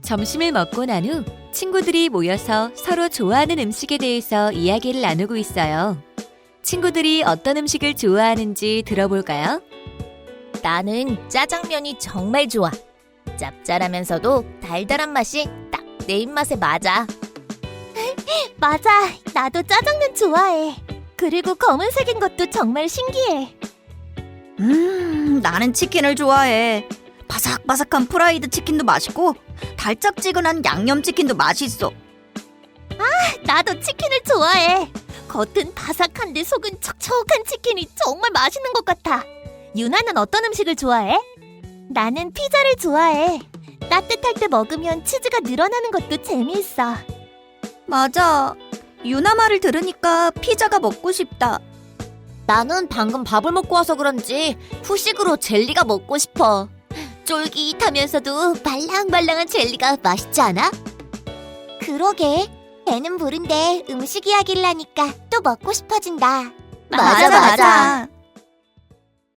점심을 먹고 난 후 친구들이 모여서 서로 좋아하는 음식에 대해서 이야기를 나누고 있어요. 친구들이 어떤 음식을 좋아하는지 들어볼까요? 나는 짜장면이 정말 좋아. 짭짤하면서도 달달한 맛이 딱 내 입맛에 맞아. 맞아, 나도 짜장면 좋아해. 그리고 검은색인 것도 정말 신기해. 나는 치킨을 좋아해. 바삭바삭한 프라이드 치킨도 맛있고 달짝지근한 양념치킨도 맛있어. 나도 치킨을 좋아해. 겉은 바삭한데 속은 촉촉한 치킨이 정말 맛있는 것 같아. 유나는 어떤 음식을 좋아해? 나는 피자를 좋아해. 따뜻할 때 먹으면 치즈가 늘어나는 것도 재미있어. 맞아. 유나 말을 들으니까 피자가 먹고 싶다. 나는 방금 밥을 먹고 와서 그런지 후식으로 젤리가 먹고 싶어. 쫄깃하면서도 말랑말랑한 젤리가 맛있지 않아? 그러게. 배는 부른데 음식 이야기를 하니까 또 먹고 싶어진다. 맞아.